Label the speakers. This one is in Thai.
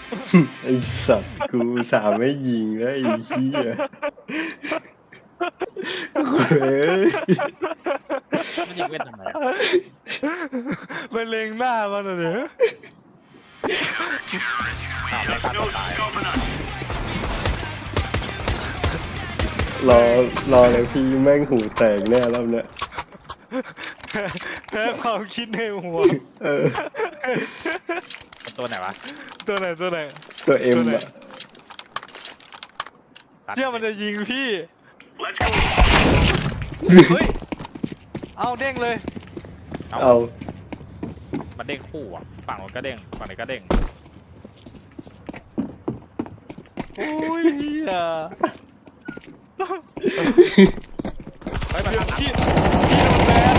Speaker 1: ไอสัตว์กูสาไม่ยิงแล้วไอ้เหี้ยเฮ้ย
Speaker 2: มันยิงเว้นทำไมอะ
Speaker 3: มันเล็งหน้ามันเหรอเนี่ย
Speaker 2: อ้าวไม่ฆ่าตัวตาย
Speaker 1: รอเลยพี่แม่งหูแตกแน่รอบเนี้ย
Speaker 3: แพ้ความคิดในหัว
Speaker 1: เออ
Speaker 2: ตัวไหนวะ
Speaker 3: ตัวไหน
Speaker 1: ตัวเอ็มอะ
Speaker 3: เชื่อมันจะยิงพี่เฮ้ยเอาเด้งเลย
Speaker 1: เอา
Speaker 2: มันเด้งคู่อ่ะฝั่งมันก็เด้งฝั่งนี้ก็เด้ง
Speaker 3: โอ้ยเหี้ย